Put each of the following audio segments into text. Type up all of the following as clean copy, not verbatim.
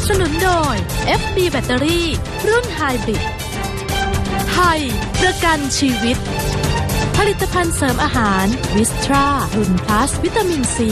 บสนุนโดย FB แบตเตอรี่รุ่นไฮบริดไทยประกันชีวิตผลิตภัณฑ์เสริมอาหารวิสตรารุ่นพลัสวิตามินซี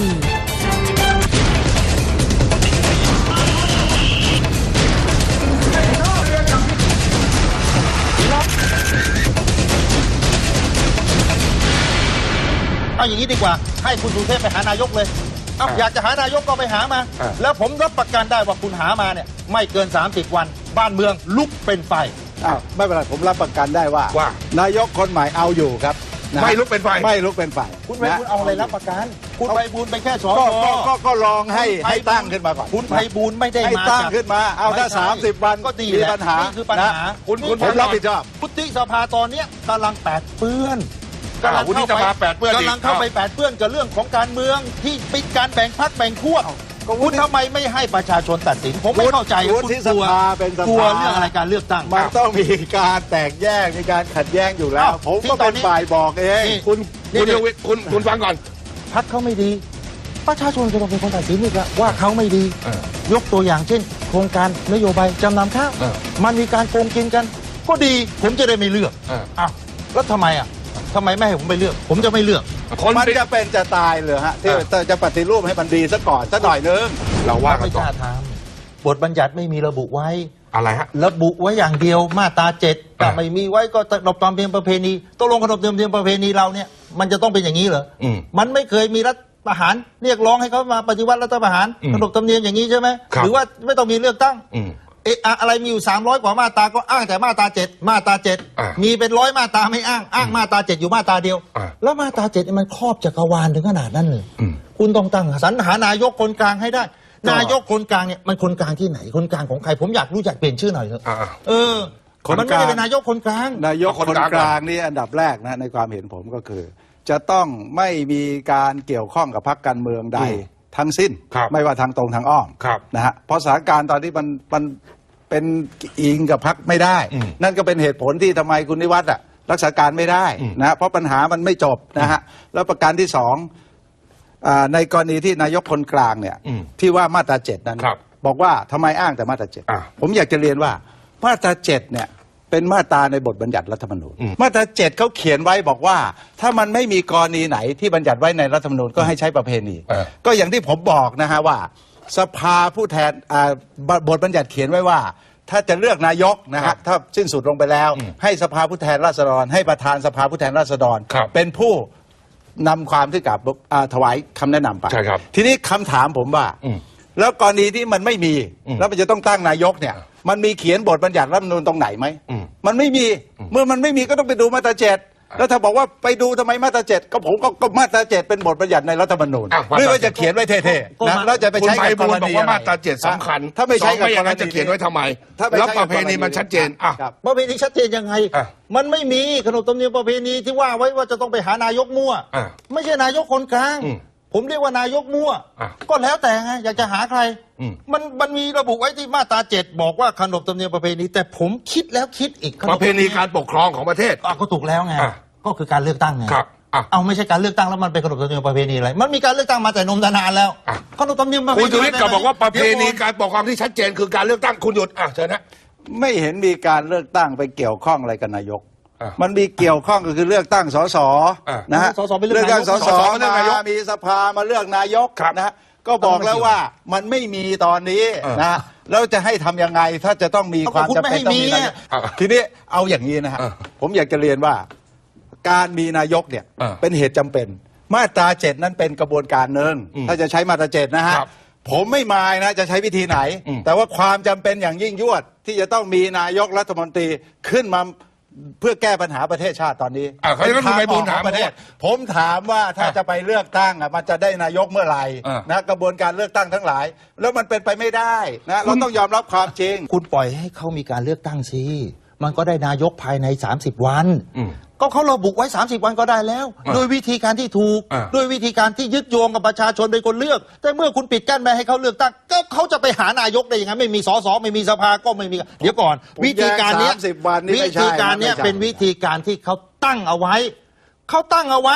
เอาอย่างนี้ดีกว่าให้คุณสุเทพไปหานายกเลยอยากจะหานายกก็ไปหามาแล้วผมรับประกันได้ว่าคุณหามาเนี่ยไม่เกิน30 วันบ้านเมืองลุกเป็นไฟไม่เป็นไรผมรับประกันได้ว่านายกคนใหม่เอาอยู่ครับไม่ลุกเป็นไฟไม่ลุกเป็นไฟคุณไพบูลย์เอาอะไรรับประกันคุณไพบูลย์ไปแค่สอก็ลองให้ตั้งขึ้นมาก่อนคุณไพบูลย์ไม่ได้มาตั้งขึ้นมาเอาถ้า30 วันก็ดีมีปัญหาคือปัญหาคุณผมรับผิดชอบวุฒิสภาตอนนี้กำลังแปดเปื้อนกำลังเข้าไปแปดเปื้อนกับเรื่องของการเมืองที่ปิดการแบ่งพรรคแบ่งขั้วคุณทำไมไม่ให้ประชาชนตัดสินผมไม่เข้าใจวุฒิสภาเป็นสภาเรื่องอะไรการเลือกตั้งมันต้องมีการแตกแยกมีการขัดแย้งอยู่แล้วผมก็เป็นฝ่ายบอกเองคุณฟังก่อนพรรคเขาไม่ดีประชาชนจะต้องเป็นคนตัดสินอีกว่าเขาไม่ดียกตัวอย่างเช่นโครงการนโยบายจำนำข้าวมันมีการโกงกินกันก็ดีผมจะได้ไม่เลือกแล้วทำไมไม่ให้ผมไปเลือกผมจะไม่เลือกมันจะเป็นจะตายเลยฮะที่จะปฏิรูปให้มันดีซะก่อนซะหน่อยนึงเราว่าไม่กล้าทำบทบัญญัติไม่มีระบุไว้อะไรฮะระบุไว้อย่างเดียวมาตรา7แต่ไม่มีไว้ก็ขนบธรรมเนียมประเพณีตกลงขนบธรรมเนียมประเพณีเราเนี่ยมันจะต้องเป็นอย่างนี้เหรอมันไม่เคยมีรัฐประหารเรียกร้องให้เขามาปฏิวัติรัฐประหารขนบธรรมเนียมอย่างนี้ใช่ไหมหรือว่าไม่ต้องมีเลือกตั้งอะไรมีอยู่300 กว่ามาตราก็อ้างแต่มาตรา7มาตรา7มีเป็น100 มาตราไม่อ้างมาตรา7อยู่มาตราเดียวแล้วมาตรา7มันครอบจักรวาลถึงขนาดนั้นเลยคุณต้องตั้งสรรหานายกคนกลางให้ได้นายกคนกลางเนี่ยมันคนกลางที่ไหนคนกลางของใครผมอยากรู้จักเปลี่ยนชื่อหน่อยเถอะมันไม่ได้เป็นนายกคนกลางนายกคนกลางนี่อันดับแรกนะในความเห็นผมก็คือจะต้องไม่มีการเกี่ยวข้องกับพรรคการเมืองใดทั้งสิ้นไม่ว่าทางตรงทางอ้อมนะฮะเพราะสถานการณ์ตอนนี้มันเป็นอิงกับพรรคไม่ได้นั่นก็เป็นเหตุผลที่ทำไมคุณนิวัฒน์รักษาการไม่ได้นะเพราะปัญหามันไม่จบนะฮะแล้วประการที่สองในกรณีที่นายกคนกลางเนี่ยที่ว่ามาตรา7นั้นบอกว่าทำไมอ้างแต่มาตรา7ผมอยากจะเรียนว่ามาตรา7เนี่ยเป็นมาตราในบทบัญญัติรัฐธรรมนูญมาตรา7เขาเขียนไว้บอกว่าถ้ามันไม่มีกรณีไหนที่บัญญัติไว้ในรัฐธรรมนูญก็ให้ใช้ประเพณีก็อย่างที่ผมบอกนะฮะว่าสภาผู้แทนบทบัญญัติเขียนไว้ว่าถ้าจะเลือกนายกนะฮะถ้าสิ้นสุดลงไปแล้วให้สภาผู้แทนราษฎรให้ประธานสภาผู้แทนราษฎรเป็นผู้นำความที่กับถวายคำแนะนำไปทีนี้คำถามผมว่าแล้วกรณีที่มันไม่มีแล้วมันจะต้องตั้งนายกเนี่ยมันมีเขียนบทบัญญัติรัฐธรรมนูญตรงไหนไหมมันไม่มีเมื่อมันไม่มีก็ต้องไปดูมาตรา7แล้วถ้าบอกว่าไปดูทำไมมาตรา7ก็ผมก็มาตรา7เป็นบทบัญญัติในรัฐธรรมนูญไม่ว่าจะเขียนไว้เท่ๆนะแล้วจะไปใช้กับกรณีบอกว่ามาตรา7สำคัญถ้าไม่ใช้กับกรณีจะเขียนไว้ทำไมแล้วประเพณีมันชัดเจนประเพณีชัดเจนยังไงมันไม่มีขนบธรรมเนียมประเพณีที่ว่าไว้ว่าจะต้องไปหานายกมั่วไม่ใช่นายกคนกลางผมเรียกว่านายกมั่วก็แล้วแต่ไงอยากจะหาใครมันมีระบุไว้ที่มาตรา7บอกว่าขนบธรรมเนียมประเพณีแต่ผมคิดแล้วคิดอีกประเพณีการปกครองของประเทศก็ถูกแล้วไงก็คือการเลือกตั้งไงเอาไม่ใช่การเลือกตั้งแล้วมันเป็นขนบธรรมเนียมประเพณีอะไรมันมีการเลือกตั้งมาแต่นมนานแล้วขนบธรรมเนียมประเพณีคุณชูวิทย์ก็บอกว่าประเพณีการปกครองที่ชัดเจนคือการเลือกตั้งคุณหยุดเชิญนะไม่เห็นมีการเลือกตั้งไปเกี่ยวข้องอะไรกับนายกมันมีเกี่ยวข้องก็คือเลือกตั้งสสนะฮะเลือกตั้งสสมีสภามาเลือกนายกนะฮะก็บอกแล้วว่ามันไม่มีตอนนี้นะแล้วจะให้ทำยังไงถ้าจะต้องมีความจำเป็นต้องมีทีนี้เอาอย่างนี้นะฮะผมอยากจะเรียนว่าการมีนายกเนี่ยเป็นเหตุจำเป็นมาตรา7นั้นเป็นกระบวนการหนึ่งถ้าจะใช้มาตรา7นะฮะผมไม่มายนะจะใช้วิธีไหนแต่ว่าความจำเป็นอย่างยิ่งยวดที่จะต้องมีนายกรัฐมนตรีขึ้นมาเพื่อแก้ปัญหาประเทศชาติตอนนี้เขาจะต้องไปบูนถามประเทศผมถามว่าถ้าจะไปเลือกตั้งมันจะได้นายกเมื่อไหร่นะกระบวนการเลือกตั้งทั้งหลายแล้วมันเป็นไปไม่ได้นะเราต้องยอมรับความจริงคุณปล่อยให้เขามีการเลือกตั้งสิมันก็ได้นายกภายใน30 วันก็เขาระบุไว้30 วันก็ได้แล้วโดยวิธีการที่ถูกด้วยวิธีการที่ยึดโยงกับประชาชนเป็นคนเลือกแต่เมื่อคุณปิดกั้นไม่ให้เขาเลือกตั้งก็เขาจะไปหานายกได้ยังไงไม่มีสสไม่มีสภาก็ไม่มีเดี๋ยวก่อนวิธีการนี้เป็นวิธีการที่เขาตั้งเอาไว้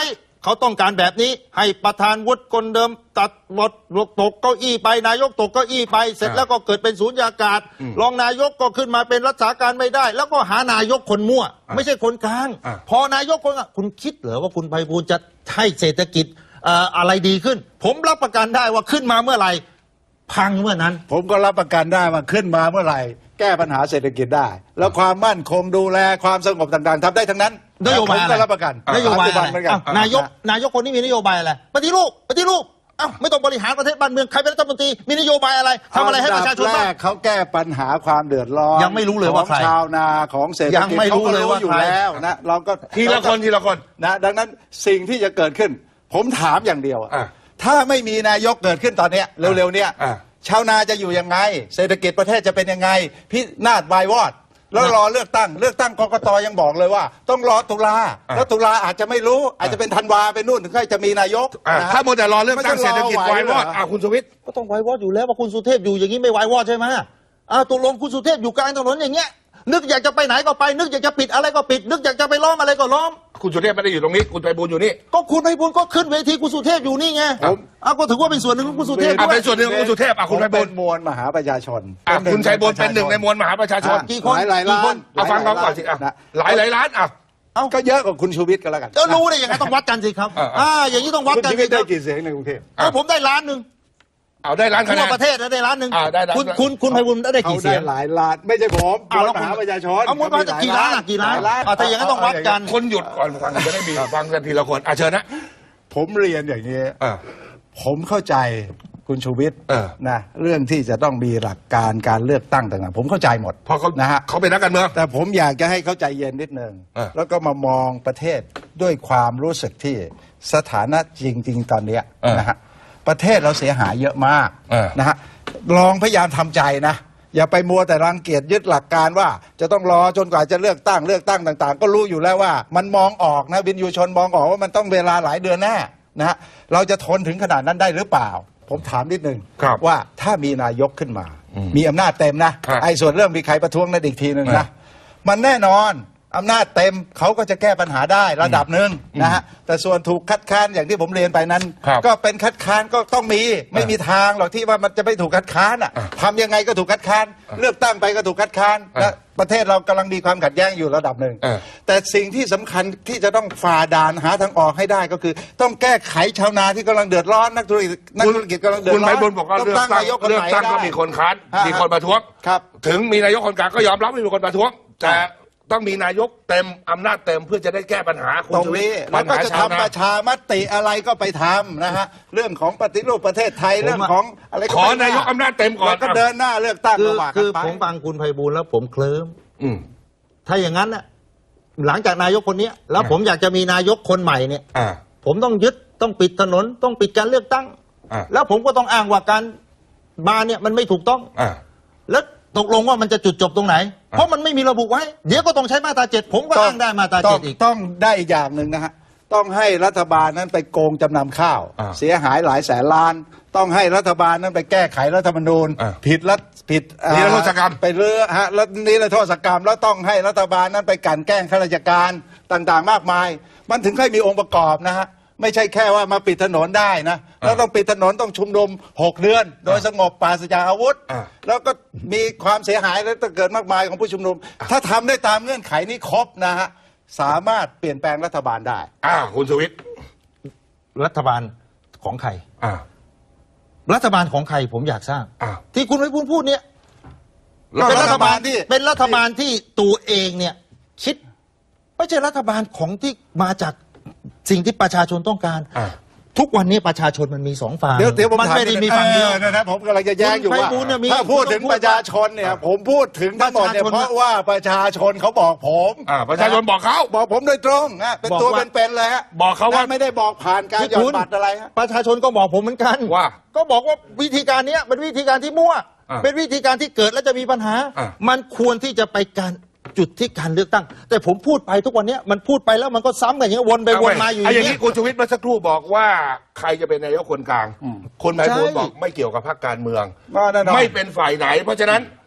เขาต้องการแบบนี้ให้ประธานวุฒิคนเดิมตัดบทตกเก้าอี้ไปนายกตกเก้าอี้ไปเสร็จแล้วก็เกิดเป็นศูนยากาศรองนายกก็ขึ้นมาเป็นรักษาการไม่ได้ แล้วก็หานายกคนมั่วไม่ใช่คนกลางพอนายกคนคุณคิดเหรอว่าคุณไพบูลย์จะให้เศรษฐกิจอะไรดีขึ้นผมรับประกันได้ว่าขึ้นมาเมื่อไหร่พังเมื่อนั้นผมก็รับประกันได้ว่าขึ้นมาเมื่อไหร่แก้ปัญหาเศรษฐกิจได้ แล้วความมั่นคงดูแลความสงบต่างๆทำได้ทั้งนั้นนโยบายผมก็รับประกันนโยบายอะไรเหมือนกันนายกคนนี้มีนโยบายอะไรปฏิรูปไม่ต้องบริหารประเทศบ้านเมืองใครเป็นรัฐมนตรีมีนโยบายอะไรทำอะไรให้ประชาชนบ้างเขาแก้ปัญหาความเดือดร้อนยังไม่รู้เลยว่าใครของชาวนาของเศรษฐกิจยังไม่รู้เลยว่าอยู่ใครแล้วนะเราก็ทีละคนนะดังนั้นสิ่งที่จะเกิดขึ้นผมถามอย่างเดียวถ้าไม่มีนายกเกิดขึ้นตอนเนี้ยเร็วๆเนี้ยชาวนาจะอยู่ยังไงเศรษฐกิจประเทศจะเป็นยังไงพินาศวายวอดแล้วรอเลือกตั้งกกตยังบอกเลยว่าต้องรอตุลาแล้วตุลาอาจจะไม่รู้อาจจะเป็นธันวาไปนู่นถึงค่อยจะมีนายกถ้าโมแต่รอเลือกตั้งเศรษฐกิจวายวอดคุณสุวิทย์ก็ต้องวายวอดอยู่แล้วว่าคุณสุเทพอยู่อย่างนี้ไม่วายวอดใช่ไหมตกลงคุณสุเทพอยู่กลางถนนอย่างเงี้ยนึกอยากจะไปไหนก็ไปนึกอยากจะปิดอะไรก็ปิดนึกอยากจะไปล้อมอะไรก็ล้อมคุณสุเทพไม่ได้อยู่ตรงนี้คุณไพบูลย์อยู่นี่ก็คุณไพบูลย์ก็ขึ้นเวทีคุณสุเทพอยู่นี่ไงก็ถือว่าเป็นส่วนหนึ่งของคุณสุเทพเป็นส่วนหนึ่งของคุณสุเทพคุณไพบูลย์มวลมหาประชาชนคุณชัยบูลย์เป็นหนึ่งในมวลมหาประชาชนกี่คนหลายล้านฟังเขาก่อนสิหลายล้านก็เยอะกว่าคุณชูวิทย์ก็แล้วกันก็รู้ได้ยังไงต้องวัดกันสิครับอย่างนี้ต้องวัดกันคุณชูวิทย์ได้กี่เสียงในกรุงเทพผมได้ล้านหนึ่งได้ล้านคะแนนทั่วประเทศได้ล้านหนึ่งคุณไพบูลย์ได้กี่เสียงหลายล้านไม่ใช่ผมมหาประชาชนเอามูลค่าจะกี่ล้านถ้าอย่างนั้นต้องวัดกันคนหยุดก่อนฟังจะได้มีฟังกันทีละคนเชิญนะผมเรียนอย่างนี้ผมเข้าใจคุณชูวิทย์นะเรื่องที่จะต้องมีหลักการเลือกตั้งต่างๆผมเข้าใจหมดเพราะเขานะฮะเขาเป็นนักการเมืองแต่ผมอยากจะให้เข้าใจเย็นนิดนึงแล้วก็มามองประเทศด้วยความรู้สึกที่สถานะจริงๆตอนนี้นะฮะประเทศเราเสียหายเยอะมากนะฮะลองพยายามทำใจนะอย่าไปมัวแต่รังเกียจยึดหลักการว่าจะต้องรอจนกว่าจะเลือกตั้งต่างๆก็รู้อยู่แล้วว่ามันมองออกนะวินยูชนมองออกว่ามันต้องเวลาหลายเดือนแน่นะฮะเราจะทนถึงขนาดนั้นได้หรือเปล่าผมถามนิดนึงว่าถ้ามีนายกขึ้นมามีอำนาจเต็มนะไอ้ส่วนเรื่องมีใครประท้วงนั่นอีกทีนึงนะมันแน่นอนอำนาจเต็มเขาก็จะแก้ปัญหาได้ระดับหนึ่งนะฮะแต่ส่วนถูกคัดค้านอย่างที่ผมเรียนไปนั้นก็เป็นคัดค้านก็ต้องมีไม่มีทางหรอกที่ว่ามันจะไม่ถูกคัดค้านทำยังไงก็ถูกคัดค้านเลือกตั้งไปก็ถูกคัดค้านและประเทศเรากำลังมีความขัดแย้งอยู่ระดับหนึ่งแต่สิ่งที่สำคัญที่จะต้องฝ่าด่านหาทางออกให้ได้ก็คือต้องแก้ไขชาวนาที่กำลังเดือดร้อนนักธุรกิจกำลังเดือดร้อนคุณไพบูลย์บอกว่าเลือกตั้งก็มีคนค้านมีคนประท้วงถึงมีนายกคนกลางก็ยอมรับไม่มีคนประท้วงแต่ต้องมีนายกเต็มอำนาจเต็มเพื่อจะได้แก้ปัญหาตรงนี้แล้วก็จะทำประชามติอะไรก็ไปทำนะฮะเรื่องของปฏิรูปประเทศไทยเรื่องของอะไรขอนายกอำนาจเต็มก่อนก็เดินหน้าเลือกตั้งคือผมฟังคุณไพบูลย์แล้วผมเคลิ้มถ้าอย่างนั้นน่ะหลังจากนายกคนนี้แล้วผมอยากจะมีนายกคนใหม่เนี่ยผมต้องยึดต้องปิดถนนต้องปิดการเลือกตั้งแล้วผมก็ต้องอ้างว่าการมาเนี่ยมันไม่ถูกต้องแล้วตกลงว่ามันจะจุดจบตรงไหนเพราะมันไม่มีระบุไว้เดี๋ยวก็ต้องใช้มาตรา7ผมก็อ้างได้มาตรา7อีกต้องได้อีกอย่างหนึ่งนะฮะต้องให้รัฐบาลนั้นไปโกงจำนำข้าวเสียหายหลายแสนล้านต้องให้รัฐบาลนั้นไปแก้ไขรัฐธรรมนูญผิดนิรโทษกรรมไปเรื่อฮะแล้วนิรโทษกรรมแล้วต้องให้รัฐบาลนั้นไปกลั่นแกล้งข้าราชการต่างๆมากมายมันถึงค่อยมีองค์ประกอบนะฮะไม่ใช่แค่ว่ามาปิดถนนได้นะแล้วต้องปิดถนนต้องชุมนุม6 เดือนโดยสงบปราศจากอาวุธแล้วก็มีความเสียหายและเกิดมากมายของผู้ชุมนุมถ้าทำได้ตามเงื่อนไขนี้ครบนะฮะสามารถเปลี่ยนแปลงรัฐบาลได้คุณสุวิทย์รัฐบาลของใครรัฐบาลของใครผมอยากทราบที่คุณไพบูลย์พูดเนี่ยเป็นรัฐบาลที่ตัวเองเนี่ยคิดไม่ใช่รัฐบาลของที่มาจากสิ่งที่ประชาชนต้องการทุกวันนี้ประชาชนมันมี2 ฝั่งมันไม่ได้มีฝั่งเดียวนะผมกำลังจะแย้งอยู่ว่าถ้าพูดถึงประชาชนเนี่ยผมพูดถึงทั้งหมดเนี่ยเพราะว่าประชาชนเขาบอกผมประชาชนบอกเขาบอกผมโดยตรงเป็นตัวเป็นๆเลยฮะบอกเขาว่าไม่ได้บอกผ่านการหย่อนบัตรอะไรประชาชนก็บอกผมเหมือนกันว่าก็บอกว่าวิธีการนี้เป็นวิธีการที่มั่วเป็นวิธีการที่เกิดแล้วจะมีปัญหามันควรที่จะไปจุดที่การเลือกตั้งแต่ผมพูดไปทุกวันนี้มันพูดไปแล้วมันก็ซ้ำกันอย่างนี้วนไปวนมาอยู่อย่างนี้คุณชูวิทย์เมื่อสักครู่บอกว่าใครจะเป็นนายกคนกลางคนไพบูลย์บอกไม่เกี่ยวกับพรรคการเมืองไม่เป็นฝ่ายไหนเพราะฉะนั้น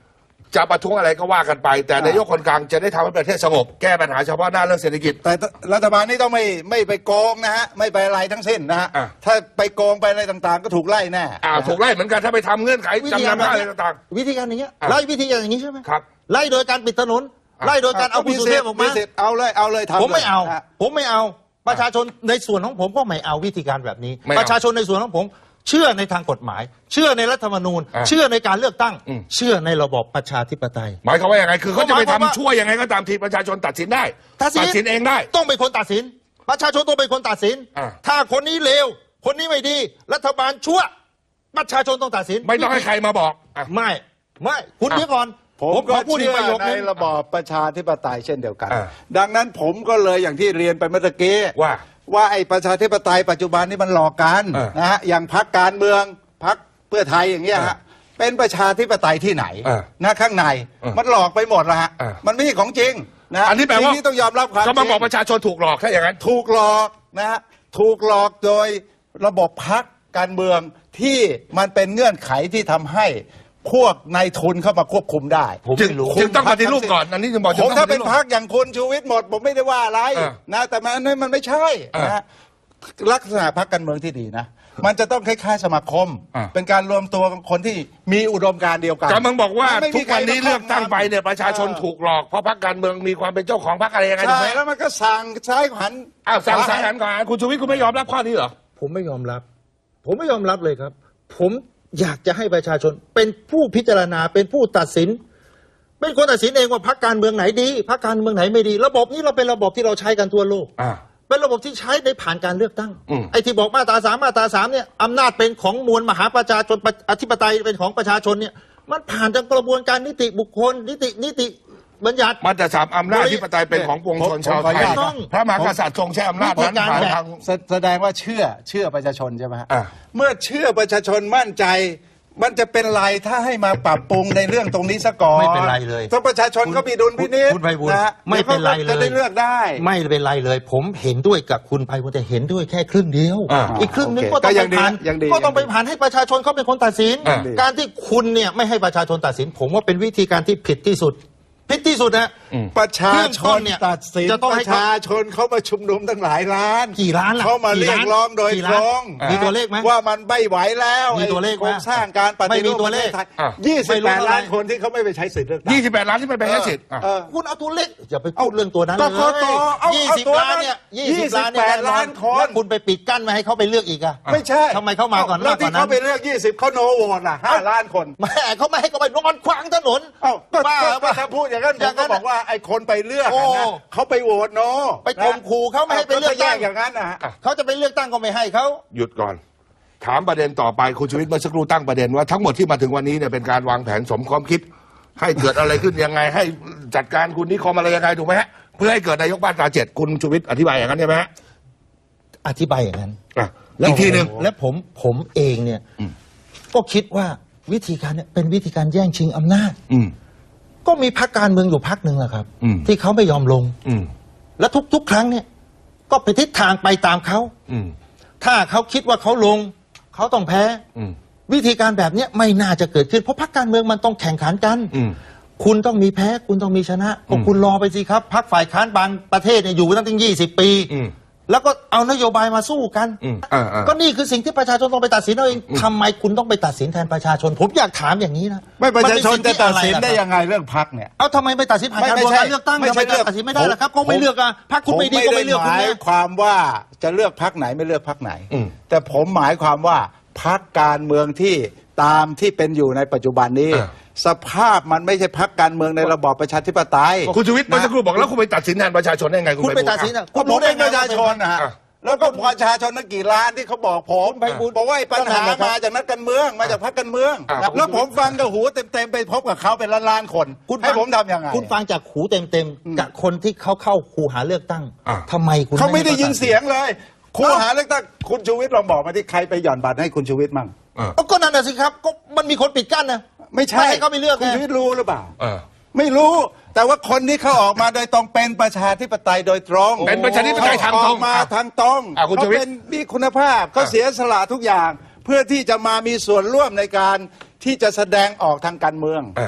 จะประท้วงอะไรก็ว่ากันไป แต่นายกคนกลางจะได้ทำให้ประเทศสงบแก้ปัญหาเฉพาะหน้าเรื่องเศรษฐกิจแต่รัฐบาลนี่ต้องไม่ไปโกงนะฮะไม่ไปอะไรทั้งสิ้นนะฮะถ้าไปโกงไปอะไรต่างๆก็ถูกไล่แน่ถูกไล่เหมือนกันถ้าไปทำเงื่อนไขจำนำอะไรต่างๆวิธีการอย่างเงี้ยไล่วิธีการอย่างนี้ใช่ไหมครับไล่โดยการปิดถนนไล่โดยการเอาผู้สุเทพออกมาเอาเลยทำผมไม่เอาประชาชนในส่วนของผมก็ไม่เอาวิธีการแบบนี้ประชาชนในส่วนของผมเชื่อในทางกฎหมายเชื่อในรัฐธรรมนูญเชื่อในการเลือกตั้งเชื่อในระบอบประชาธิปไตยหมายความว่าอย่างไรคือเขาจะไปทำชั่วยังไงก็ตามทีประชาชนตัดสินได้ตัดสินเองได้ต้องเป็นคนตัดสินประชาชนต้องเป็นคนตัดสินถ้าคนนี้เลวคนนี้ไม่ดีรัฐบาลชั่วประชาชนต้องตัดสินไม่ต้องให้ใครมาบอกไม่คุณเดี๋ยวก่อนผมก็เชื่อในระบอบประชาธิปไตยเช่นเดียวกันดังนั้นผมก็เลยอย่างที่เรียนไปเมื่อกี้ว่าไอ้ประชาธิปไตยปัจจุบันนี่มันหลอกกันนะฮะอย่างพรรคการเมืองพรรคเพื่อไทยอย่างเงี้ยฮะเป็นประชาธิปไตยที่ไหนนะข้างในมันหลอกไปหมดแล้วฮะมันไม่ใช่ของจริงนะอันนี้แปลว่าต้องยอมรับความก็มาบอกประชาชนถูกหลอกถ้าอย่างนั้นถูกหลอกนะฮะถูกหลอกโดยระบบพรรคการเมืองที่มันเป็นเงื่อนไขที่ทำให้พวกนายทุนเข้ามาควบคุมได้จึงต้องปฏิรูปก่อนอันนี้จะบอกผมถ้าเป็นพรรคอย่างคุณชูวิทย์หมดผมไม่ได้ว่าอะไรนะแต่มันไม่ใช่นะลักษณะพรรคการเมืองที่ดีนะมันจะต้องคล้ายๆสมาคมเป็นการรวมตัวของคนที่มีอุดมการณ์เดียวกันกำลังบอกว่าทุกวันนี้เลือกตั้งไปเนี่ยประชาชนถูกหลอกเพราะพรรคการเมืองมีความเป็นเจ้าของพรรคอะไรยังไงถูกไหมแล้วมันก็สั่งซ้ายหันสั่งซ้ายหันก่อนคุณชูวิทย์คุณไม่ยอมรับข้อนี้เหรอผมไม่ยอมรับเลยครับผมอยากจะให้ประชาชนเป็นผู้พิจารณาเป็นผู้ตัดสินเป็นคนตัดสินเองว่าพรรคการเมืองไหนดีพรรคการเมืองไหนไม่ดีระบบนี้เราเป็นระบบที่เราใช้กันทั่วโลกเป็นระบบที่ใช้ในผ่านการเลือกตั้งไอ้ที่บอกมาตรา3มาตรา3เนี่ยอำนาจเป็นของมวลมหาประชาชนอธิปไตยเป็นของประชาชนเนี่ยมันผ่านจากกระบวนการนิติบุคคลนิติบัญญัติมันจะสามอำนาจอธิปไตยเป็นของปวงชนชาวไทยพระมหากษัตริย์ทรงใช้อำนาจนั้นทางแสดงว่าเชื่อประชาชนใช่ไหมเมื่อเชื่อประชาชนมั่นใจมันจะเป็นไรถ้าให้มาปรับปรุงในเรื่องตรงนี้ซะก่อนไม่เป็นไรเลยถ้าประชาชนก็มีดุลพินิจนะไม่เป็นไรเลยจะได้เลือกได้ไม่เป็นไรเลยผมเห็นด้วยกับคุณไพบูลย์แต่เห็นด้วยแค่ครึ่งเดียวอีกครึ่งนึงก็ต้องไปผ่านให้ประชาชนเขาเป็นคนตัดสินการที่คุณเนี่ยไม่ให้ประชาชนตัดสินผมว่าเป็นวิธีการที่ผิดที่สุดนะประชาชนตัดสินประชาชนเขามาชุมนุมตั้งหลายล้านกี่ล้านเขามาเรียกร้องโดยตรงมีตัวเลขไหมว่ามันไม่ไหวแล้วมีตัวเลขโครงสร้างการปฏิรูปตัวเลข 28 ล้านคนที่เขาไม่ไปใช้สิทธิ์เลือกตั้ง 28 ล้านที่ไม่ไปใช้สิทธิ์คุณเอาตัวเลขอย่าไปพูดเรื่องตัวนั้นเลย20 ล้านเนี่ย28 ล้านคนคุณไปปิดกั้นไม่ให้เขาไปเลือกอีกอะไม่ใช่ทำไมเขามาก่อนแล้วที่เขาไปเลือก20เขาโนโหวตล่ะ5 ล้านคนแม่เขาไม่ให้เขาไปนอนขวางถนนก็ถ้าพูดอย่างนั้นก็บอกว่าไอ้คนไปเลือกนะเขาไปโหวตโนไปข่มขู่เขาไม่ให้ไปเลือกตั้งอย่างนั้นนะเขาจะไปเลือกตั้งก็ไม่ให้เขาหยุดก่อนถามประเด็นต่อไปคุณชูวิทย์เมื่อสักครู่ตั้งประเด็นว่าทั้งหมดที่มาถึงวันนี้เนี่ยเป็นการวางแผนสมความคิดให้เกิดอะไรขึ้นยังไงให้จัดการคุณนิคมอะไรยังไงถูกไหมฮะเพื่อให้เกิดนายกมาตรา7คุณชูวิทย์อธิบายอย่างนั้นใช่ไหมฮะอธิบายอย่างนั้นอีกทีหนึ่งและผมเองเนี่ยก็คิดว่าวิธีการเนี่ยเป็นวิธีการแย่งชิงอำนาจก็มีพรรคการเมืองอยู่พรรคหนึ่งแหละครับที่เขาไม่ยอมลงและทุกครั้งเนี่ยก็ไปทิศทางไปตามเขาถ้าเขาคิดว่าเขาลงเขาต้องแพ้วิธีการแบบนี้ไม่น่าจะเกิดขึ้นเพราะพรรคการเมืองมันต้องแข่งขันกันคุณต้องมีแพ้คุณต้องมีชนะก็คุณรอไปสิครับพรรคฝ่ายค้านบางประเทศเนี่ยอยู่มาตั้ง20 ปีแล้วก็เอานโยบายมาสู้กันก็นี่คือสิ่งที่ประชาชนต้องไปตัดสินเอาเองทำไมคุณต้องไปตัดสินแทนประชาชนผมอยากถามอย่างนี้นะไม่ประชาชนจะตัดสินได้ยังไงเรื่องพรรคเนี่ยเอาทำไมไปตัดสินผ่านการเลือกตั้งทำไมตัดสินไม่ได้ล่ะครับก็ไม่เลือกอ่ะพรรคคุณไม่ดีก็ไม่เลือกคุณหมายความว่าจะเลือกพรรคไหนไม่เลือกพรรคไหนแต่ผมหมายความว่าพรรคการเมืองที่ตามที่เป็นอยู่ในปัจจุบันนี้สภาพมันไม่ใช่พรรคการเมืองในระบอบประชาธิปไตยคุณชูวิทย์เมื่อสักครู่บอกแล้วคุณไปตัดสินแทนประชาชนได้ไงคุณไปตัดสินอ่ะคุณรู้ได้ประชาชนนะฮะแล้วก็ประชาชนนักกี่ล้านที่เขาบอกผมบอกว่าปัญหามาจากนักการเมืองมาจากพรรคการเมืองแล้วผมฟังกับหูเต็มๆไปพบกับเขาเป็นล้านๆคนให้ผมทำยังไงคุณฟังจากหูเต็มๆกับคนที่เขาเข้าคูหาเลือกตั้งทำไมคุณเขาไม่ได้ยินเสียงเลยคูหาเลือกตั้งคุณชูวิทย์ลองบอกมาที่ใครไปหย่อนบัตรให้คุณชูวิทย์มั่งก็นั่นน่ะสิครับก็มันมีคนปิดกั้นนะไม่ใช่ให้เขาไปเลือกคุณชูวิทย์รู้หรือเปล่าไม่รู้แต่ว่าคนที่เขาออกมาโดยตรงเป็นประชาธิปไตยโดยตรงเป็นประชาธิปไตยทางตรงมาทางตรงเขาเป็นมีคุณภาพเขาเสียสละทุกอย่างเพื่อที่จะมามีส่วนร่วมในการที่จะแสดงออกทางการเมือง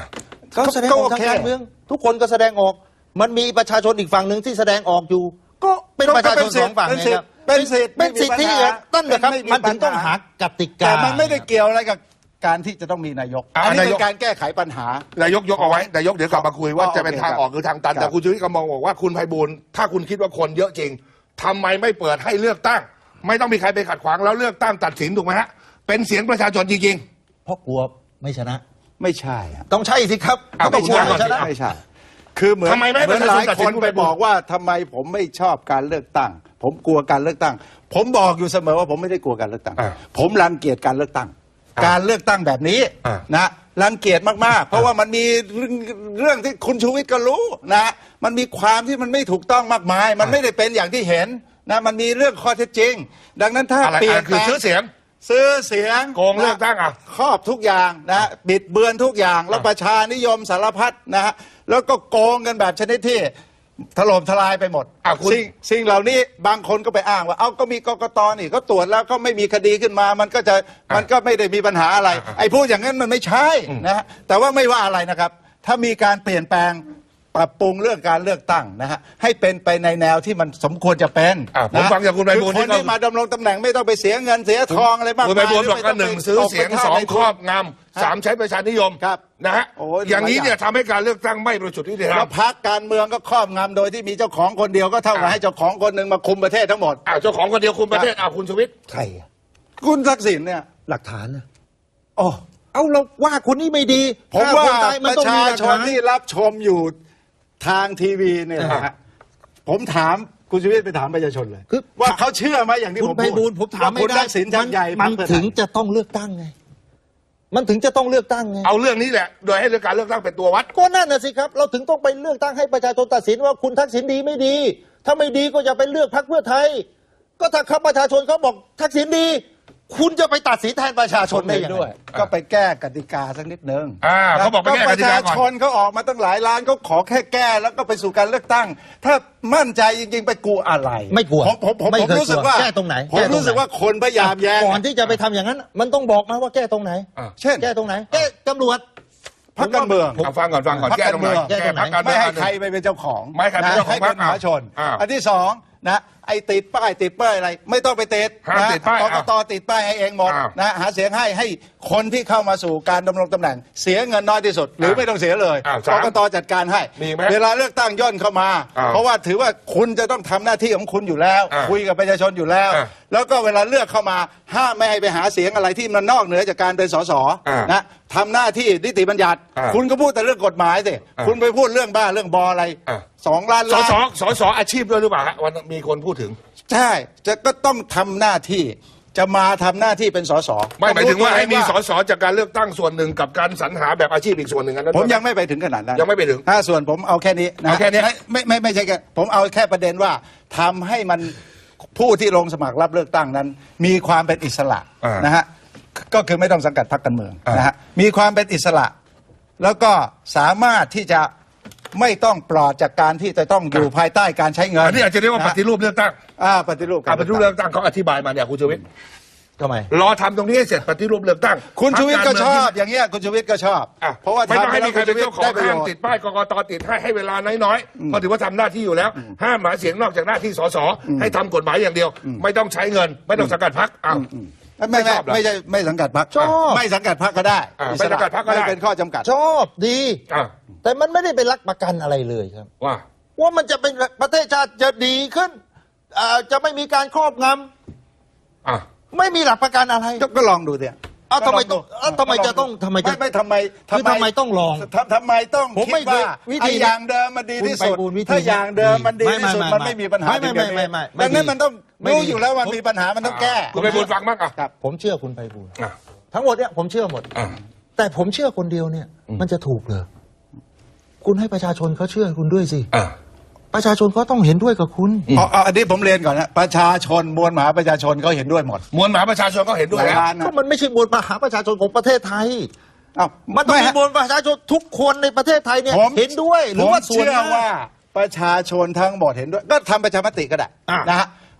ก็แสดงออกทางการเมืองทุกคนก็แสดงออกมันมีประชาชนอีกฝั่งหนึ่งที่แสดงออกอยู่ก็เป็นประชาชนสองฝั่งนะครับเป็นสิทธินั่นแหละครับมันถึงต้องหากติกาแต่มันไม่ได้เกี่ยวอะไรกับการที่จะต้องมีนายกอันนี้เป็นการแก้ไขปัญหานายกยกเอาไว้นายกเดี๋ยวกลับมาคุยว่าจะเป็นทางออกหรือทางตันแต่คุณชูวิทย์ก็มองบอกว่าคุณไพบูลย์ถ้าคุณคิดว่าคนเยอะจริงทำไมไม่เปิดให้เลือกตั้งไม่ต้องมีใครไปขัดขวางแล้วเลือกตั้งตัดสินถูกไหมฮะเป็นเสียงประชาชนจริงๆเพราะกลัวไม่ชนะไม่ใช่ต้องใช่สิครับต้องกลัวไม่ชนะไม่ใช่คือเหมือนหลายคนไปบอกว่าทำไมผมไม่ชอบการเลือกตั้งผมกลัวการเลือกตั้งผมบอกอยู่เสมอว่าผมไม่ได้กลัวการเลือกตั้งผมรังเกียจการเลือกตั้งการเลือกตั้งแบบนี้นะรังเกียจมากๆเพราะว่ามันมีเรื่องที่คุณชูวิทย์ก็รู้นะมันมีความที่มันไม่ถูกต้องมากมายมันไม่ได้เป็นอย่างที่เห็นนะมันมีเรื่องข้อเท็จจริงดังนั้นถ้าเปลี่ยนคือซื้อเสียงโกงเลือกตั้งครอบทุกอย่างนะบิดเบือนทุกอย่างแล้วประชานิยมสารพัดนะฮะแล้วก็โกงกันแบบชนิดที่ถล่มทลายไปหมดสิ่งเหล่านี้บางคนก็ไปอ้างว่าเอาก็มีกกต.นี่ก็ตรวจแล้วก็ไม่มีคดีขึ้นมามันก็ไม่ได้มีปัญหาอะไรไอ้พูดอย่างนั้นมันไม่ใช่นะฮะแต่ว่าไม่ว่าอะไรนะครับถ้ามีการเปลี่ยนแปลงปรับปรุงเรื่องการเลือกตั้งนะฮะให้เป็นไปในแนวที่มันสมควรจะเป็นผมฟังจากคุณไพบูลย์คนที่มาดำรงตำแหน่งไม่ต้องไปเสียเงินเสียทองอะไรมากมายคุณไพบูลย์บอกว่า1ซื้อเสียง2ครอบงำ3ใช้ประชานิยมนะฮะอย่างนี้เนี่ยทำให้การเลือกตั้งไม่บริสุทธิ์ยุติธรรมแล้วพรรคการเมืองก็ครอบงำโดยที่มีเจ้าของคนเดียวก็เท่ากับให้เจ้าของคนหนึ่งมาคุมประเทศทั้งหมดเจ้าของคนเดียวคุมประเทศคุณชูวิทย์ใครคุณทักษิณเนี่ยหลักฐานนะเอาเราว่าคนนี้ไม่ดีผมว่าประชาชนที่รับชมอยู่ทางทีวีเนี่ยนะฮะผมถามคุณชูวิทย์ไปถามประชาชนเลยว่าเขาเชื่อไหมอย่างที่ผมพูดผมถามไม่ได้มันถึงจะต้องเลือกตั้งไงมันถึงจะต้องเลือกตั้งไงเอาเรื่องนี้แหละโดยให้เรื่องการเลือกตั้งเป็นตัววัดก็นั่นน่ะสิครับเราถึงต้องไปเลือกตั้งให้ประชาชนตัดสินว่าคุณทักษิณดีไม่ดีถ้าไม่ดีก็อย่าไปเลือกพรรคเพื่อไทยก็ถ้าครับประชาชนเขาบอกทักษิณดีคุณจะไปตัดสินแทนประชาชนได้ด้วยก็ไปแก้กติกาสักนิดนึงเขาบอกไปแก้กติกาก่อนประชาชนเขาออกมาตั้งหลายล้านเขาขอแค่แก้แล้วก็ไปสู่การเลือกตั้งถ้ามั่นใจจริงๆไปกลัวอะไรไม่กลัวผมรู้สึกว่าแก้ตรงไหนผมรู้สึกว่าคนพยายามแย้งก่อนที่จะไปทำอย่างนั้นมันต้องบอกมาว่าแก้ตรงไหนเช่นแก้ตรงไหนแก้ตำรวจพรรคการเมืองฟังก่อนแก้ตรงไหนแก้พรรคการเมืองไม่ให้ใครไปเป็นเจ้าของไม่ให้ใครเป็นเจ้าของพรรคมหาชนอันที่สองนะไอ้ติดป้ายอะไรไม่ต้องไปติดนะกกต.ติดป้ายให้เองหมดนะหาเสียงให้คนที่เข้ามาสู่การดำรงตำแหน่งเสียเงินน้อยที่สุดหรือไม่ต้องเสียเลยกกต.จัดการให้เวลาเลือกตั้งย่นเข้ามาเพราะว่าถือว่าคุณจะต้องทำหน้าที่ของคุณอยู่แล้วคุยกับประชาชนอยู่แล้วแล้วก็เวลาเลือกเข้ามาห้ามไม่ให้ไปหาเสียงอะไรที่มันนอกเหนือจากการเป็นสสนะทำหน้าที่นิติบัญญัติคุณก็พูดแต่เรื่องกฎหมายสิคุณไปพูดเรื่องบ้าเรื่องบออะไร2 ล้านสอาชีพด้วยหรือเปล่าฮะวันมีคนพูดถึงใช่ก็ต้องทำหน้าที่จะมาทำหน้าที่เป็นสสไม่หมายถึงว่าให้มีสสจากการเลือกตั้งส่วนหนึ่งกับการสรรหาแบบอาชีพอีกส่วนหนึ่งนั้นผมยังไม่ไปถึงขนาดนั้นยังไม่ไปถึงส่วนผมเอาแค่นี้นะแค่นี้ไม่ใช่แค่ผมเอาแค่ประเด็นว่าทำให้มันผู้ที่ลงสมัครรับเลือกตั้งนั้นมีความเป็นอิสระนะฮะก็คือไม่ต้องสังกัดพรรคการเมืองนะฮะมีความเป็นอิสระแล้วก็สามารถที่จะไม่ต้องปลอดจากการที่จะต้องอยู่ภายใต้การใช้เงินอันนี้อาจจะเรียกว่าปฏิรูปเลือกตั้งปฏิรูปเลือกตั้งเขาอธิบายมาเนี่ยคุณชูวิทย์ทำไมรอทำตรงนี้ให้เสร็จปฏิรูปเลือกตั้งคุณชูวิทย์ก็ชอบอย่างเงี้ยคุณชูวิทย์ก็ชอบเพราะว่าไม่ต้องให้มีใครเป็นเจ้าของห้ามติดป้ายกกต.ติดให้เวลาน้อยๆเพราะถือว่าทำหน้าที่อยู่แล้วห้ามหาเสียงนอกจากหน้าที่สสให้ทำกฎหมายอย่างเดียวไม่ต้องใช้เงินไม่ต้องสังกัดพรรคไม่ใช่ไม่สังกัดพรรคชอบไม่สังกัดพรรคก็ได้ไม่สังกัดพรรคก็ได้เป็นข้อจำกัดชอบดีแต่มันไม่ได้เป็นหลักประกันอะไรเลยครับว่ามันจะเป็นประเทศชาติจะดีขึ้นจะไม่มีการครอบงำไม่มีหลักประกันอะไรก็ลองดูสิทำไมจะต้องทำไมต้องลองทำไมต้องคิดว่าไอ้อย่างเดิมมันดีที่สุดถ้าอย่างเดิมมันดีที่สุดมันไม่มีปัญหาไม่ดังนั้นมันต้องรู้อยู่แล้วว่ามีปัญหามันต้องแก้คุณไพบูลย์ฟังบ้างผมเชื่อคุณไพบูลย์ทั้งหมดเนี่ยผมเชื่อหมดแต่ผมเชื่อคนเดียวเนี่ยมันจะถูกเหรอคุณให้ประชาชนเขาเชื่อคุณด้วยสิประชาชนเขาต้องเห็นด้วยกับคุณอันนี้ผมเรียนก่อนนะประชาชนมวลมหาประชาชนเขาเห็นด้วยหมดมวลมหาประชาชนก็เห็นด้วยแล้วก็มันไม่ใช่มวลมหาประชาชนของประเทศไทยมันต้องมีมวลประชาชนทุกคนในประเทศไทยเนี่ยเห็นด้วยหรือว่าส่วนว่าประชาชนทั้งหมดเห็นด้วยก็ทำประชามติก็ได้นะฮะ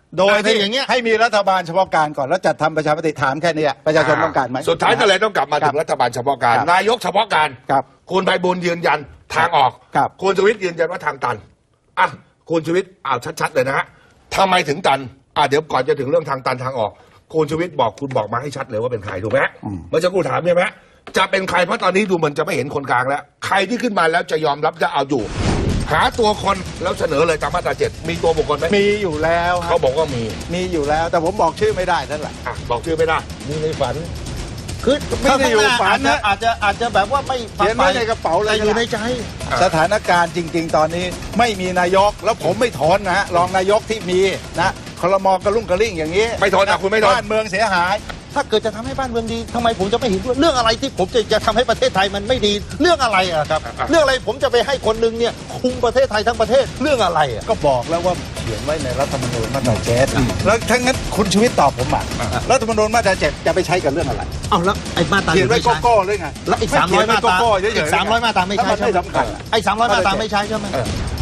โดยที่อย่างเงี้ยให้มีรัฐบาลเฉพาะการก่อนแล้วจัดทำประชามติถามแค่นี้ประชาชนต้องการไหมสุดท้ายก็เลยต้องกลับมาถึงรัฐบาลเฉพาะการครับนายกเฉพาะการครับคุณไพบูลย์ยืนยันทางออกครับคุณชูวิทย์ยืนยันว่าทางตันอ่ะคุณชูวิทย์เอาชัดๆเลยนะฮะทำไมถึงตันเดี๋ยวก่อนจะถึงเรื่องทางตันทางออกคุณชูวิทย์บอกคุณบอกมาให้ชัดเลยว่าเป็นใครถูกไหมเมื่อสักครู่ถามใช่ไหมจะเป็นใครเพราะตอนนี้ดูเหมือนจะไม่เห็นคนกลางแล้วใครที่ขึ้นมาแล้วจะยอมรับจะเอาอยู่ หาตัวคนแล้วเสนอเลยตามมาตรา7มีตัวบุคคลไหมมีอยู่แล้วครัเขาบบอกว่ามีมีอยู่แล้วแต่ผมบอกชื่อไม่ได้นั่นแหละบอกชื่อไม่ได้มีในฝัน คือไม่ได้อยู่ฝันนะอาจจะแบบว่าไม่เขียนไว้ในกระเป๋าเลยแต่อยู่ในใจสถานการณ์จริง ๆ ตอนนี้ไม่มีนายกแล้วผมไม่ทนนะฮะรองนายกที่มีนะครม.กระลุ่งกระลิ่งอย่างนี้ไม่ทนคุณไม่ทนบ้านเมืองเสียหายถ้าเกิดจะทำให้บ้านเมืองดีทำไมผมจะไม่เห็นด้วยเรื่องอะไรที่ผมจะทำให้ประเทศไทยมันไม่ดีเรื่องอะไรอะครับเรื่องอะไรผมจะไปให้คนหนึงเนี่ยคุมประเทศไทยทั้งประเทศเรื่องอะไรอะก็บอกแล้วว่าเขียนไว้ในรัฐธรรมนูญมาตรา7แล้วทั้งนั้นคุณชีวิตตอบผมมารัฐธรรมนูญมาตรา7จะไปใช้กับเรื่องอะไรเอาแล้วไอ้มาตราเขียนไว้ไม่ใช้โก้ๆเลยไงแล้วอีก300 มาตราอีก300 มาตราไม่ใช่ใช่ไหมถ้นไม่สำคัญอะไอ้300 มาตราไม่ใช้ใช่ไหมเออ